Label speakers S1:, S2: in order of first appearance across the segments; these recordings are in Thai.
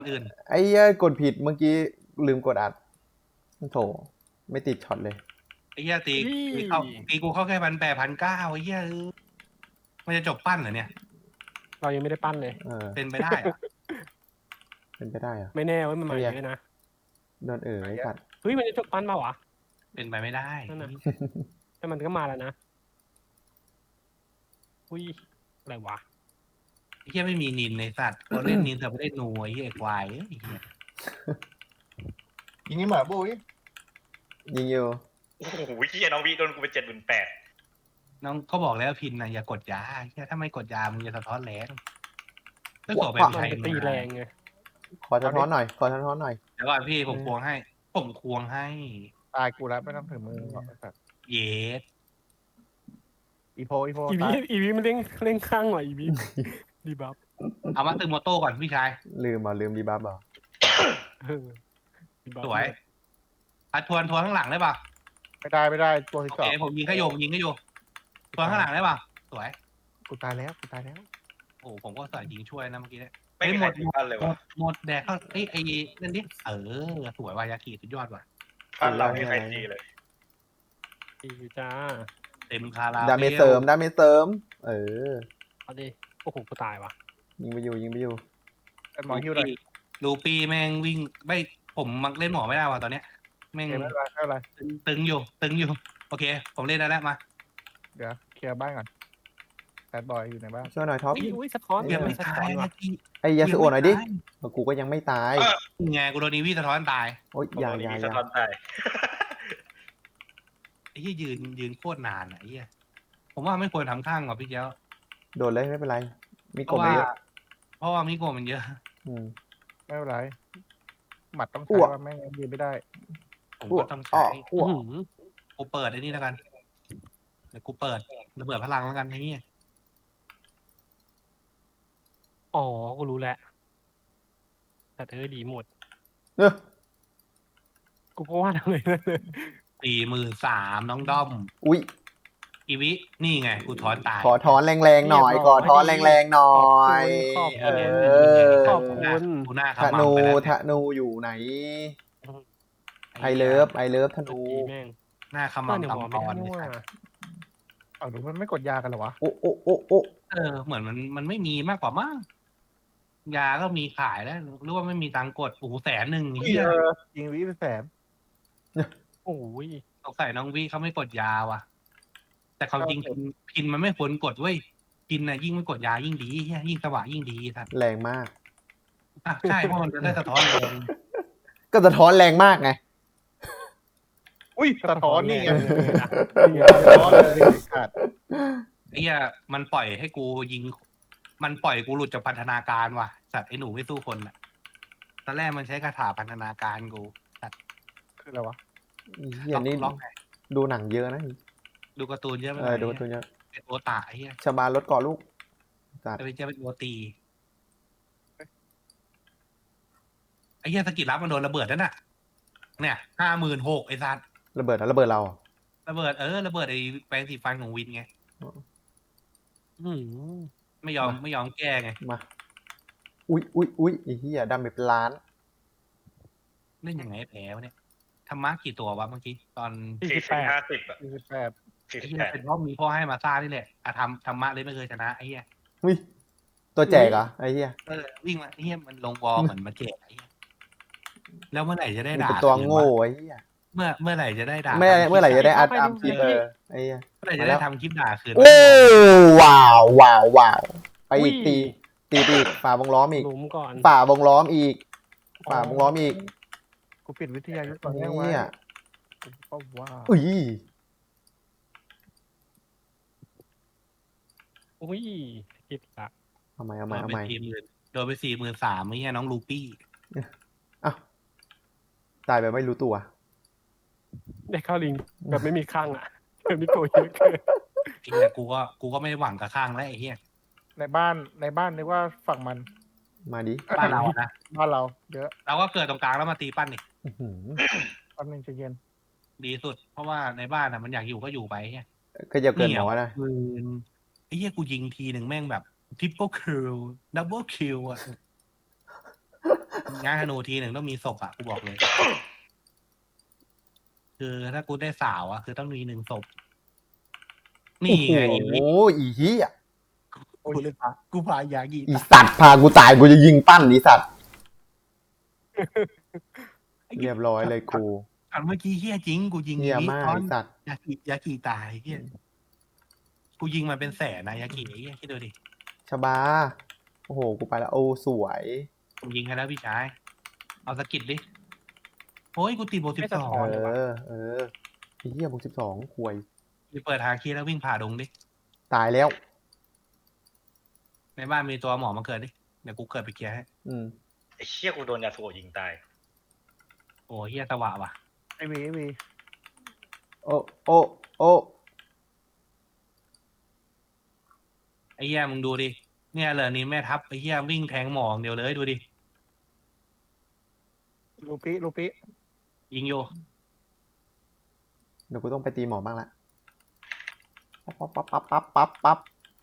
S1: อื่น
S2: ไอ้เหี้ยกดผิดเมื่อกี้ลืมกดอัดโถไม่ติดช็อตเลย
S1: ไอ้เหี้ยตีกูเข้าแค่1,800 1,900ไอ้เหี้ยมันจะจบปั้นเหรอเนี่ย
S3: เรายังไม่ได้ปั้นเลย
S1: เป็นไปได้เหรอ
S2: เป็นไปได้เหรอ
S3: ไม่แน่ว่ามันมาเยอะนะ
S2: โดนไอ้สัตว์
S3: เฮ้ยมันจะจบปั้นมาวะ
S1: เป็นไปไม่ได้
S3: นั่นน่ะ แต่มันก็มาแล้วนะอุ้ยอะไรวะ
S1: ไอ้เหี้ยไม่มีนินในสัตว์เขาเล่นนินแต่ไม่ได้หนูไอ้เหี้ยควายไอ้เหี้ย
S4: ยิงนี่หมาบุ้ย
S2: ยิงอยู่
S5: โอ้โหเฮียน้องวีโดนกูไป78,000
S1: น้องก็บอกแล้วพินนะอย่ากดยาไอ้เหี้ยถ้าไม่กดยามึงจะสะท้อนแรงถ้าขอแบบ
S3: มัน
S1: ใช้
S3: ไปตีแรงไง
S2: ขอสะท้อนหน่อยขอสะท้อนหน่อย
S1: เดี๋ยวก่อนพี่ผมควงให้
S4: ตายกูแล้วไม่ต้องถึงมือหรอกไอ้สัตว์
S1: เยส
S4: อีโพ
S3: อีวี
S4: ตาย
S3: อีวีมันเล่นข้างหน่อยอีวีดีบัฟ
S1: เอามาตึงโมโต้ก่อนพี่ชาย
S2: ลืมดีบัฟเหรอ
S3: เออดีบัฟ
S1: สวยทวนข้างหลังได้ป่ะ
S4: ไม่ได้ตัวที่
S1: โอ
S4: สอ
S1: เค
S4: ง
S1: ผมยิงขยมทวนข้างหลังได้ป่ะสวย
S4: กูตายแล้ว
S1: โอ้ผมก็ใส่ยิงช่วยนะเมื่อกี้เนี่ย
S5: ไม่มีใครตีปั้นเลยวะ
S1: หมดแดกเข้าไอ้นั่นดิสวยวายากิสุดยอดว่ะ
S5: ปั้นเราไม่มีใครตีเลย
S3: ดีจ้า
S1: เต็มคาราบล
S2: ดาเมจเสริม
S3: เอาดิโอ้โหกูตายว่ะ
S2: ยิงไปอยู่
S4: ไอ้หมอฮิวหน่อย
S1: ลูปี้แม่งวิ่งไม่ผมมักเล่นหมอไม่ได้ว่ะตอนเนี้ยแม่ง
S4: ไม่เป็นไร
S1: ตึงอยู่โอเค ผมเล่นได้แล้วมา
S4: เดี๋ยวเคลียร์บ้านก่อนแบดบอยอยู่ในบ้าน
S2: ช่วยหน่อยท็อป
S3: อุ้ยสะท้อน
S1: ยังไม่
S3: สะ
S1: ตา
S3: ท้อย น
S1: นะ
S3: ว่ะ
S1: พี่
S2: ไอ้ยาสุโอะหน่อยดิกูก็ยังไม่ตาย
S1: ไงกูโดนนีวีสะท้อนตาย
S2: โอ๊ยอย่า
S5: มีสะท้อนตาย
S1: ไอ้ที่ยืนโคตรนานอ่ะไอ้เหี้ยผมว่าไม่ควรทำข้างว่ะพี่เจ้า
S2: โดนเลยไม่เป็นไรมี
S1: เพ
S2: กบ
S1: ราะว่า
S2: ไม่เยอะ
S1: เพราะว่ามิโกะมันเยอะ
S4: ไม่เป็นไรหมัดต้อง
S2: อ้
S4: ใช้
S2: วก
S4: ว่าแม่งยืนไม่ได้
S1: ผม
S2: อ้ว
S1: ก็
S2: ก
S1: ต้อง
S2: อ้
S1: ใช้
S2: ออ้วก
S3: อื้อหือ
S1: กูเปิดไอ้นี่แล้วกันเดี๋ยวกูเปิดระเบิดพลังแล้วกันไอ้นี่
S3: อ๋อกูรู้แล้วแต่เธอดีหมด
S2: เออ
S3: กูก็ว่าทำไมนั่นเลย
S1: 43,000น้องด้อม
S2: อุ๊ย
S1: อีวินี่ไงกูถอนตาย
S2: ขอถอนแรงๆหน่อยขอถอนแรงๆหน่อย
S3: ขอบ
S2: เอ
S3: คุณ
S2: อ
S3: ขอบคุณ
S1: กูหน้า
S2: ธ
S1: ขมั
S2: นู
S1: ไปแล้ว
S2: ธนูอยู่ไหนไอเลิฟธนู
S3: ดีแม่ง
S1: หน้าข
S3: ก็
S1: มั
S3: ในหัว
S1: ตำต
S3: ไม่
S1: อน
S3: ได้
S1: นี่
S3: ว่า
S4: เอาหรือมันไม่กดยากันเหรอวะ
S2: โอ้โอ้โอ้โอ้
S1: เหมือนมันไม่มีมากกว่ามั้งยาก็มีขายแล้วหรือว่าไม่มีตังค์กดโอ้โห100,000เฮีย
S4: ยิงวิเป็นแสน
S3: โอ้ย
S1: สงสัยน้องวิเขาไม่กดยาว่ะ แต่ความจริงพินมันไม่ควรกดเว้ยพินน่ะยิ่งไม่กดยายิ่งดีเฮียยิ่งสว่างยิ่งดีครับ
S2: แรงมาก
S1: ใช่เพราะมันจะได้สะท้อนแรง
S2: ก็สะท้อนแรงมากไง
S4: อุ้ยสะท้อนนี่ไง
S3: นี่ไง
S4: สะท้อนเลยขาด
S1: ไอ้เหี้ยมันปล่อยให้กูยิง มันปล่อยกูหลุดจากพันธนาการว่ะสัตว์ไอ้หนูไม่สู้คนอ่ะตอนแรกมันใช้คาถาพันธนาการกู
S4: คืออะไรวะ
S2: เฮียนี่
S1: ล็อกไง
S2: ดูหนังเยอะนะ
S1: ดูการ์ตูนเยอะไป
S2: ดูตัวเนี้ย
S1: เป็นโอตาไอ้เหี้ย
S2: ชาบานรถก่อลูกจัด
S1: จะเป็นโอตีไอ้เหี้ยสกิลลับมันโดนระเบิดนั่นน่ะ เนี่ย56,000ไอ้สัตว์
S2: ระเบิดระเบิดเรา
S1: ระเบิดระเบิดไอ้แปรงสีฟันของวินไง
S3: อื้อหือ
S1: ไม่ยอมแก้ไง
S2: มาอุ้ยไอ้เหี้ยดำเป็นล้าน
S1: เล่นยังไงให้แพ้วะเนี่ยธรรมะกี่ตัววะเมื่อกี้ตอน
S5: 40 50อ่ะ
S4: 48
S1: ไอ้เหี้ยเป็นเพราะมีพ่อให้มาซ่านี่แหละธรรมะเลยไม่เคยชนะไอ้เหี้ย
S2: อุ้ยตัวแจกเหรอไอ้เหี้ย
S1: วิ่งมาไอ้เหี้ยมันลงวอลเหมือนมาแจกไอ้เหี้ยแล้วเมื่อไหร่จะได้
S2: นี่
S1: ด่า
S2: เป็นตัว
S1: คืน
S2: โง่
S1: วะ
S2: ไอ้เหี้ย
S1: เมื่อไหร่จะได้ด่า
S2: เมื่อไหร่จะได้อัดคลิปไอ้เหี้ย
S1: เมื่อไหร่จะได้ทำคลิปด่าคืน
S2: โอ้ว้าวไปอีกตีอีกฝ่าวงล้อมอีก
S3: หลุมก่อน
S2: ฝ่าวงล้อมอีก
S4: กูปิดวิทยายุทธ์ก่อนแม่งไว้
S2: เนี่ย
S4: กูก็ว่า
S2: อุ้ย
S3: อุ้ยคิดละ
S2: เอาใหม่
S1: โดนไป40,000โดนไป43,000ไอ้เหี้ยน้องลูปี้
S2: อ้าวตายแบบไม่รู้ตัว
S3: ได้เข้าลิงแบบไม่มีข้างอ่ะแบบนี้โกยเยอะเกิน
S1: ไอ้เหี้ยกูก็ไม่ได้หวังกับข้างแล้วไอ้เหี้ย
S4: ในบ้านนึกว่าฝั่งมัน
S2: มาดิ
S1: บ้านเราอะนะ
S4: บ้านเราเยอะ
S1: เราก็เกิดตรงกลางแล้วมาตีปั้นนี่
S2: อื้อหือ
S4: แป๊บนึงใจะเย็น
S1: ดีสุด เพราะว่าในบ้านอะมันอยากอยู่ก็อยู่ไปเหี้ย
S2: ก็จะเกินหมอนะ
S1: ปืนไอ้เหี้ยกูยิงทีหนึ่งแม่งแบบทริปเปิลคิวดับเบิลคิวอะงานธนูทีหนึ่งต้องมีศพอ่ะกูบอกเลย คือถ้ากูได้สาวอ่ะคือต้องมี1 ศพ นี่
S2: โอ้โห
S1: ไงอีวิ
S2: อีเหี้ย
S1: กูเลยพากูพายากี
S2: อีสัตว์พากูตายกูจะยิงปั้นอีสัตว์เรียบร้อยเลยกู
S1: อันเมื่อกี้เฮี้ยจริงกูยิง
S2: เหี้ย
S1: อีวิ
S2: มาก
S1: ตอน
S2: อีสัตว์
S1: ยากีตายเฮี้ยกูยิงมันเป็นแสนนะยากีไอ้เฮี้ยคิดดูดิ
S2: ชบาโอ้โหกูไปแล้วโอ้สวย
S1: ผมยิงให้แล้วพี่ชายเอาสกิดดิโอ้ยกูตีโบ
S3: ไม่สะ
S1: 12
S3: ท้อนเลยวะ
S2: ไอ้เหี้ยบวก12ควย
S1: ไปเปิดทางคีแล้ววิ่งผ่าดงดิ
S2: ตายแล้ว
S1: ในบ้านมีตัวหมอมาเกิดดิเดี๋ยวกูเกิดไปเคลียร์ให้
S2: อืม
S5: ไอ้เชี่ยกูโดนยาสูบยิงตาย
S1: โอ้เฮี้ยสวะว่ะ
S4: ไอ้มี
S2: โอ้โอ้โอ้
S1: ไอ้เฮี้ยมึงดูดิเนี่ยเหลอนี่แม่ทัพไอ้เฮี้ยวิ่งแทงหมออย่างเดียวเลยดูดิ
S4: ลูปิ
S1: ยิงโย
S2: เดี๋ยวกูต้องไปตีหมอบ้างละปั๊บปั๊บปั๊บปั๊บปั๊บปั๊บ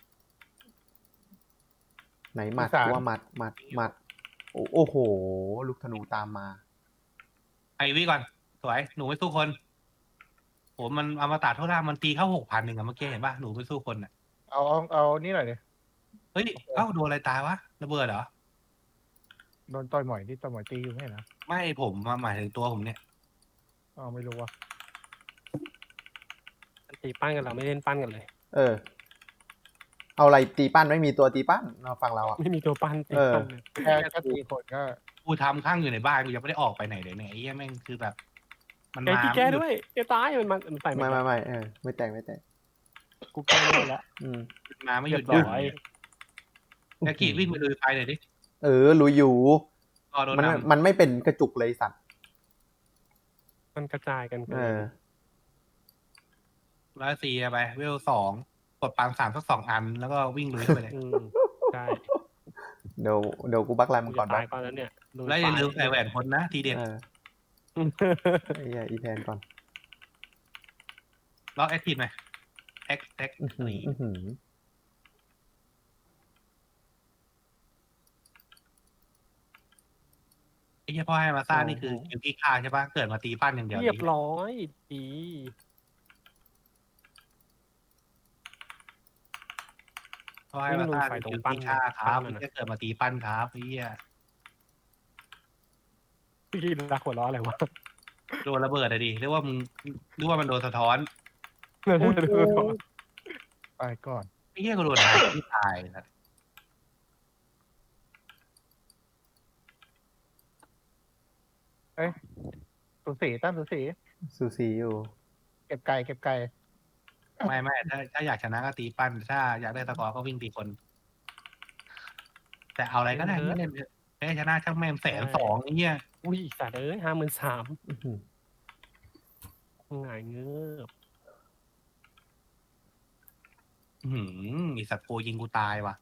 S2: ไหนหมัดกูว่าหมัดโอ้โห ลูกธนูตามมา
S1: ไอวิก่อนสวยหนูไม่สู้คนโหมันอมตะเท่าไหร่มันตีเข้า6,000อะเมื่อกี้เห็นป่ะหนูไม่สู้คนอ่ะ
S4: เอานี่หน่อยดิ
S1: เฮ้ยเอ้าโดนอะไรตายวะระเบิดเหรอ
S4: โดนต่อยหมอยที่ต่อยหมอยตีอยู่ไม่เห็นนะ
S1: ไม่ผมหมายถึงตัวผมเนี่ย
S4: ไม่รู้ว่ะ
S3: ตีปั้นกันเราไม่เล่นปั้นกันเลย
S2: เอาอะไรตีปั้นไม่มีตัวตีปั้นเราฟังเราอ่ะ
S3: ไม่มีตัวปั้นตีปั้นเลย
S4: แค่ตีคนก็
S1: กูทำข้างอยู่ในบ้านกูยังไม่ได้ออกไปไหนเลยเนี่ยไอ้เหี้ยแม่งคือแบบ มัน
S3: แก
S1: มา
S3: ตีแก้ด้วยแกตายมันใส่
S2: ไม่ไม่แตกไม่แตก
S3: กูแก้ไม่ได้แล้ว
S2: อืม
S1: มาไม่หยุด
S3: เรียบ
S1: ยั้ง
S3: ร้อย
S1: ยากีวิ่งไปลุยไฟหน่อยดิ
S2: รู้อยู่
S1: รอโดน
S2: มัน
S1: น
S2: มันไม่เป็นกระจุกเลยสัตว์
S3: มันกระจายกันเกิ
S2: เอน
S1: ำ104ไปเวล2กดปัง3สัก2 อันแล้วก็วิ่งลุยไปเลย
S3: ใช่
S2: เดี๋ยวกูบักไลน์มึงก่อน
S3: ตา
S2: บั
S3: ย
S2: ก
S3: ก่อนแล้วเนี่ย
S1: แล้วอย่าลืมใส่แหวนคนนะทีเด็ด
S2: ไอ้เหี้ยอีแทนก่อน
S1: ล็อกแอคทีฟไหมแอค
S2: อื้อหือ
S1: นี่
S2: อื้อหือ
S1: ไอ้เหี้ยพ่อให้มาซ่านี่คือคิวกี้ฆ่าใช่ปะเกิดมาตีปั้นอย่างเดียว
S3: เรียบร้อยดี
S1: พ่อให้มาซ่าคือคิวกี้ฆ่าครับไม่ได้เกิดมาตีปั้นครับไอ้เหี้ย
S3: พี่รักหัวล้ออะไรวะ
S1: โดนระเบิดอะดิเรียกว่ามึงเรียกว่ามันโดนสะท้อน
S4: ไปก่อน
S1: ไอ้เหี้ยก็โดนหายที่ตายนะ
S4: สูสีตั้งสูสี
S2: สูสีอยู่
S4: เก็บไก่
S1: ไม่ถ้าอยากชนะก็ตีปั้นถ้าอยากได้สกอร์ก็วิ่งตีคน แต่เอาอะไรก็ได้ไม่เล่นแพ้ชนะช่างแม่ง120,000ไอ้เหี้ย
S3: อุ้ยสัตว์เอ้ย53,000
S2: อื้อหือ
S3: หงายเงือบ
S1: ไอสัตว์โกยิงกูตายว่ะ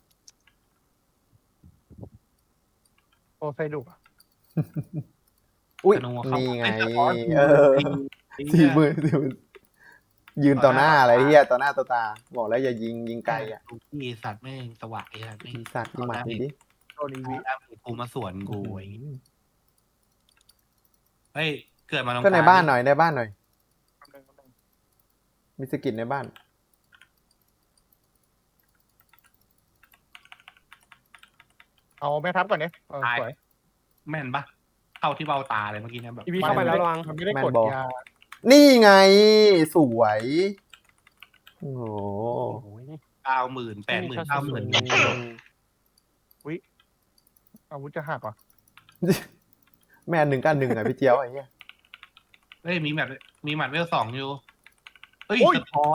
S4: โอไซดุก
S2: อุ้ย
S1: ธนูเข้า
S2: นี่ไง
S1: อ้สะท้อน ไอ้เหี้
S2: สี่
S1: ย
S2: มือยืนต่อหน้าอะไรเฮียต่อหน้าต่อตา บอกแล้วอย่ายิงไกลอ่ะ
S1: ไอสัตว์แม่งสว่างไอ้สัตว์แม่ง
S2: อีสัตว์อีหมัดนี่ดิ
S4: โดนอีวี
S1: แล้วกูมาสวนกูไอ้เฮ้ยเกิดมาตรง
S2: ก็ใน
S1: กลง
S2: บ้านหน่อยในบ้านหน่อย มีสกิลในบ้าน
S4: เอาแม่ทัพก่อนเนี่ยสวย
S1: แม่นปะเข้าที่เบ้าตาเลยเมื่อกี้เนี่ยแบบ
S3: อีวีเข้าไปแล้วระวัง
S4: มันไม่ได้กด
S2: แม่นบอก
S4: ยา
S2: นี่ไง สวย โอ้โห
S3: โอ้ย
S1: 90,000 80,000 90,000
S4: อาวุธจะหักเหรอ
S2: แม่1 กัน 1อ่ะพี่เจียวไอ้เหี้ย
S1: เฮ้ยมีหมัดเวล2อยู่เฮ้ยสะท้อน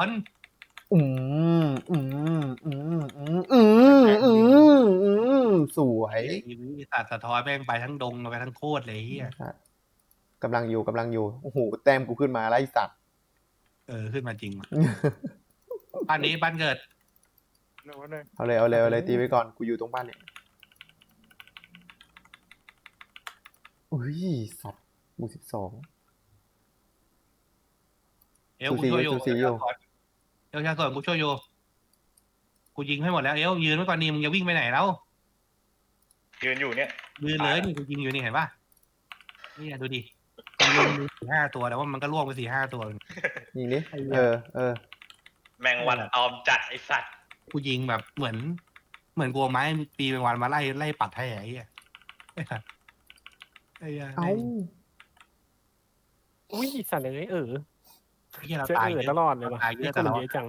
S2: สวย
S1: ไอ้วิสัตว์สะท้อนแม่งไปทั้งดงไปทั้งโคตรเลยเฮีย
S2: กำลังอยู่ โอ้โห แต้มกูขึ้นมาไล่สัตว์
S1: ขึ้นมาจริงว่ะบ้านนี้บ้านเกิด
S2: เอาเลยตีไว้ก่อน กูอยู่ตรงบ้านเนี่ย อุ้ย สัตว์บู12
S1: เอลกูช่วยอยู่
S2: สูสีอยู่
S1: เอลชาส่วนกูช่วยอยู่กูยิงให้หมดแล้วเอลยืนไว้ก่อนนี่มึงจะวิ่งไปไหนแล้ว
S5: ยืนอยู่เนี่ย
S1: ยืนเลยนี่กูยิงอยู่นี่เห็นป่ะนี่ดูดิมันลุมมี4-5 ตัวแต่ว่ามันก็ล่วงไป4-5 ตัว
S2: ยิงดิเออ
S5: แมงวันออมจัดไอสัตว์
S1: กูยิงแบบเหมือนกูเอาไม้ปีเป็นวันมาไล่ปัดให้ไอ้เหี้ยไอ้เหี้ย
S2: เอ้า
S3: อุ้ยสัตว์เลย
S1: ไอ้เหี้ยเรา
S3: เจอ
S1: ตาย
S3: เอ
S1: เย
S3: อ
S1: อะ
S3: ตลอดเลยว่ะ
S1: ตายเย
S3: นี่
S1: อะ
S3: ก็
S1: แต่
S3: มัน
S1: เรา
S3: เยอะจัง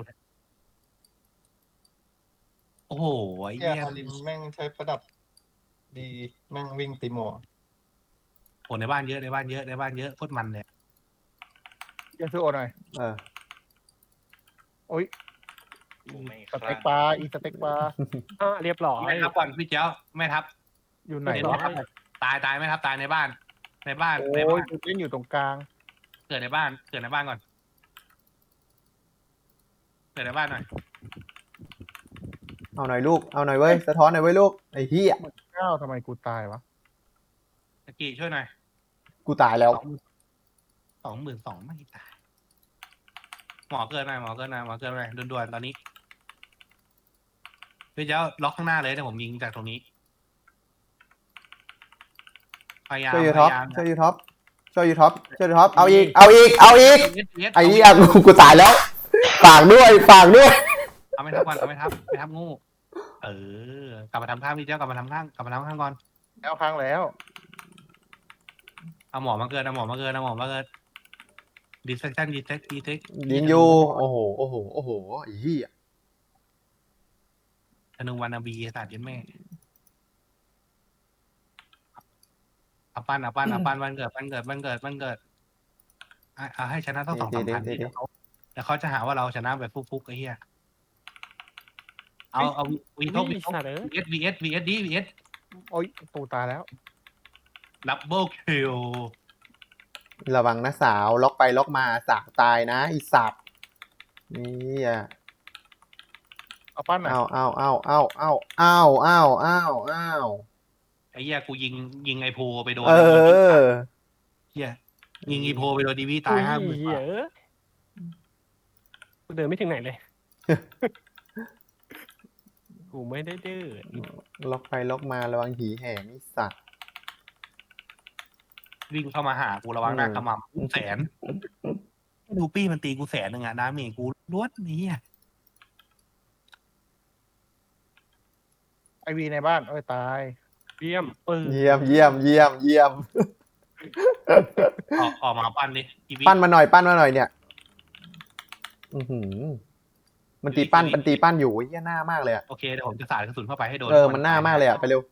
S1: โอ้โหไอ้
S6: เฮีย
S1: เหี้ย
S6: อารินแม่งใช้ประดับ ดีแม่งวิ่งตีหมอ
S1: โหในบ้านเยอะในบ้านเยอะโคตรมันเลย
S4: เฮียซื้อโอหน่อย
S2: เออ
S4: โอ้ย
S5: กูไม่
S4: ส
S5: ค
S4: เต็
S5: ลั่
S4: ก
S5: ง
S4: ปลาอีสเต็กปลา
S3: เรียบร้อย
S1: แม่ทับก่อนพี่เจ้าแม่ทับ
S4: อยู่ไหน
S1: เห็น
S4: วะ
S1: ไหมครับตายไม่ทับตายในบ้าน ในบ้าน
S4: โอ้
S1: ในบ้าย น
S4: กูเล่นอยู่ตรงกลาง
S1: เกิดในบ้านก่อนเกิดในบ้านหน่อย
S2: เอาหน่อยลูกเอาหน่อยเว้ยสะท้อนหน่อยเว้ยลูกไอ้เหี้ย
S4: ก้าวทำไมกูตายวะ
S1: ตะกี้ช่วยหน่อย
S2: กูตายแล้ว
S1: 22,000ไม่ตายหมอเกินหน่อยด่วนๆตอนนี้พี่เจ้าล็อกข้างหน้าเลยเดี๋ยวผมยิงจากตรงนี้พยายาม
S2: ช่วยยูท็อป
S1: พยายาม
S2: ช่วยยูท็อปเอาอีกเอาอีกไอ้เหี้ยกูตายแล้วฝากด้วย
S1: เอาไม่ทับก่อนเอาไม่ทับงูกลับมาทำข้างพี่เจ้ากลับมาทำข้างก่อน
S4: แล้วครั้งแล้ว
S1: เอาหมอมาเกินดีเซ็ก
S2: ยิงอยู่โอ้โหไอ้เหี้ย
S1: ธนูวานาบีสัตว์ยันแม่เอาปั้นวันเกิดเอาให้ชนะต้อง2-3 พันแต่เขาจะหาว่าเราชนะแบบฟุกๆไอ้เหี้ยเอาวีทบ
S3: อุ้ยสัตว์เลย
S1: VS
S4: โอ้ยตูตายแล้ว
S1: ดับเบิลคิว
S2: ระวังนะสาวล็อกไปล็อกมาสาวตายนะไอีสัตว์นี่อ่ะ
S4: เอาปั้นหน่อย
S2: เอา
S1: ไอ้เหี้ยกูยิงไอโพไปโดน
S2: เออ
S1: เหี้ยยิงไอโพไปโดนดีวีตาย
S3: อุ้
S1: 50,000
S3: เหี้ยกูเดินไม่ถึงไหนเลย กูไม่ได้เดิน
S2: ล็อกไปล็อกมาระวังหีแห่งไอีสัตว์
S1: วิ่งเข้ามาหากูระวังหน้าขมำ100,000ดูปี้มันตีกู100,000อ่ะดาเมจกูล้วนนี่อ่ะ
S4: ไอวีในบ้านโอ้ยตาย
S3: เยี่ยม
S2: เยี่ยม
S1: ออกมาปั้นดิอีวี
S2: ปั้นมาหน่อยเนี่ยอือหือมันตีปั้นอยู่เหี้ยหน้ามากเลยอะ
S1: โอเคเดี๋ยวผมจะสาดกระสุนเข้าไปให้โดน
S2: มันหน้ามากเลยอะไปเร็ว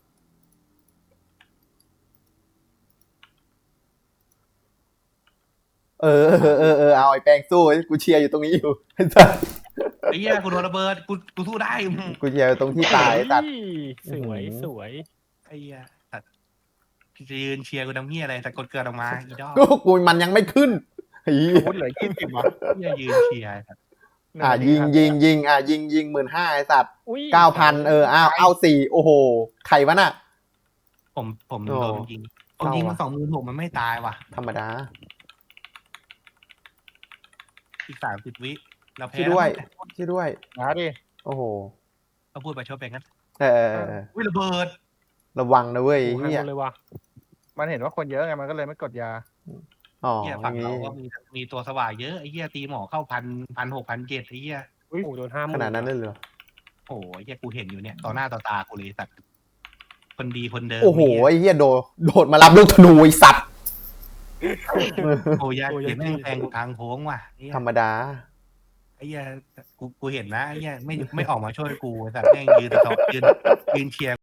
S2: เอาไอ้แป้งสู้กูเชียร์อยู่ตรงนี้อยู่ไอ้สัส
S1: ไอ้เหี้ยกูโดนระเบิดกูสู้ได้
S2: กูเชียร์อยู่ตรงที่ตายไอ้สัส
S3: สวย
S1: ไอ้เหี้ยสัตว์จะยืนเชียร์กูทำเหี้ยอะไรแต่กดเกิดออกมาอีดอก
S2: กูมันยังไม่ขึ้นไอ้เหี้ย
S4: พูดเหลือ20วะ
S1: เหี้ยยืนเชียร์สัตว์
S2: ยิง15,000ไอ้สัตว์
S3: อุ้ย
S2: 9,000เอา4โอ้โหใครวะน่ะ
S1: ผม
S2: โอ้
S1: โดนยิงผมยิงมา26,000มันไม่ตายว่ะ
S2: ธรรมดา
S1: อีก30 วิเราแพ้
S2: ช่วยด้วย
S1: แล้ว
S2: ช่วยด้วย
S4: หาดิ
S2: โอ้โห
S1: เขาพูดไปชดไปงั้น
S2: เ
S1: ระเบิด
S2: ระวังนะเว้ย
S3: กูให้
S2: เฮี
S3: ห
S2: ย
S3: มดเลยว่ะ
S4: มันเห็นว่าคนเยอะไงมันก็เลยไม่กดยา
S2: อ๋อ
S1: เหี้ย
S2: อ
S1: ฝั่ง
S2: ย่าง
S1: เรา
S2: นี้
S1: ก็มีตัวสว่างเยอะไอ้เหี้ยตีหมอเข้า1,600 1,700ไอ้เหี้ย
S3: โอ้โหโดน50,000
S2: ขนาดนั้นเลยเหรอ
S1: โอ้โหไอ้เหี้ยกูเห็นอยู่เนี่ยต่อหน้าต่อตากูเลยสัตว์คนดีคนเดิม
S2: โอ้โห
S1: ไอ้
S2: ไอ้เฮียโดดมารับลูกธนูไอ้สัตว์
S1: โอ้ยเห็นแม่งแทงทางโค้งว่ะไอ้เหี้ย
S2: ธรรมดา
S1: ไอ้เหี้ยกูเห็นนะไอ้เหี้ยไม่ออกมาช่วยกูแต่แม่งยืนเชียร์